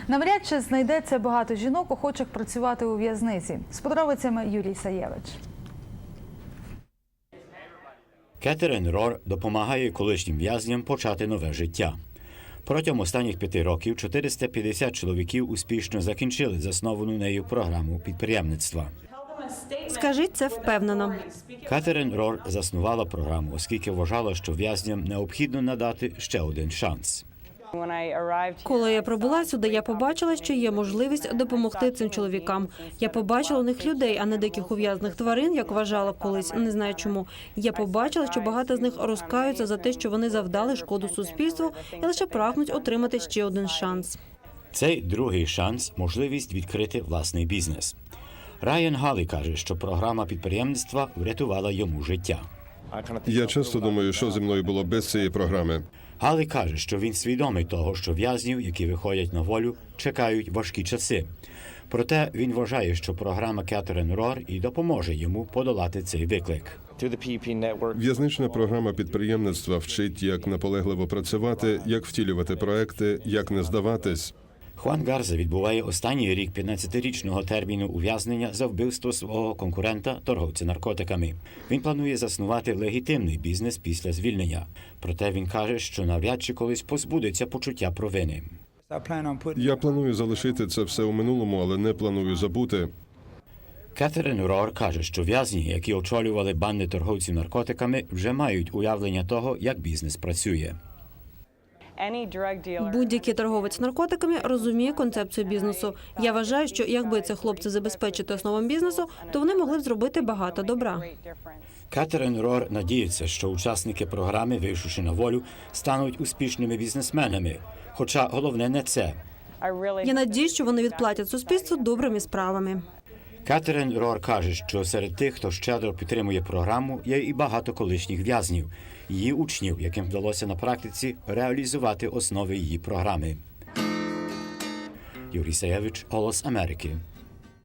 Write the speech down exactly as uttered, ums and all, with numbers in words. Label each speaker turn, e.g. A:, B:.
A: Навряд чи знайдеться багато жінок, охочих працювати у в'язниці. З подробицями Юрій Саєвич.
B: Кетерін Рор допомагає колишнім в'язням почати нове життя. Протягом останніх п'яти років чотириста п'ятдесят чоловіків успішно закінчили засновану нею програму підприємництва.
C: Скажіть це впевнено.
B: Кетерін Рор заснувала програму, оскільки вважала, що в'язням необхідно надати ще один шанс.
C: Коли я прибула сюди, я побачила, що є можливість допомогти цим чоловікам. Я побачила у них людей, а не диких ув'язних тварин, як вважала колись, не знаю чому. Я побачила, що багато з них розкаються за те, що вони завдали шкоду суспільству і лише прагнуть отримати ще один шанс.
B: Цей другий шанс – можливість відкрити власний бізнес. Райан Галлі каже, що програма підприємництва врятувала йому життя.
D: Я часто думаю, що зі мною було без цієї програми.
B: Галлі каже, що він свідомий того, що в'язнів, які виходять на волю, чекають важкі часи. Проте він вважає, що програма Кетерін Рор і допоможе йому подолати цей виклик.
D: В'язнична програма підприємництва вчить, як наполегливо працювати, як втілювати проекти, як не здаватись.
B: Хуан Гарза відбуває останній рік п'ятнадцятирічного терміну ув'язнення за вбивство свого конкурента, торговця наркотиками. Він планує заснувати легітимний бізнес після звільнення. Проте він каже, що навряд чи колись позбудеться почуття провини.
D: Я планую залишити це все у минулому, але не планую забути.
B: Кетерін Рор каже, що в'язні, які очолювали банди торговців наркотиками, вже мають уявлення того, як бізнес працює.
C: Будь-який торговець наркотиками розуміє концепцію бізнесу. Я вважаю, що якби ці хлопці забезпечити основам бізнесу, то вони могли б зробити багато добра.
B: Кетерін Рор надіється, що учасники програми, вийшовши на волю, стануть успішними бізнесменами. Хоча головне не це.
C: Я надіюсь, що вони відплатять суспільству добрими справами.
B: Кетерін Рор каже, що серед тих, хто щедро підтримує програму, є і багато колишніх в'язнів, її учнів, яким вдалося на практиці реалізувати основи її програми. Юрій Саєвич, Голос Америки.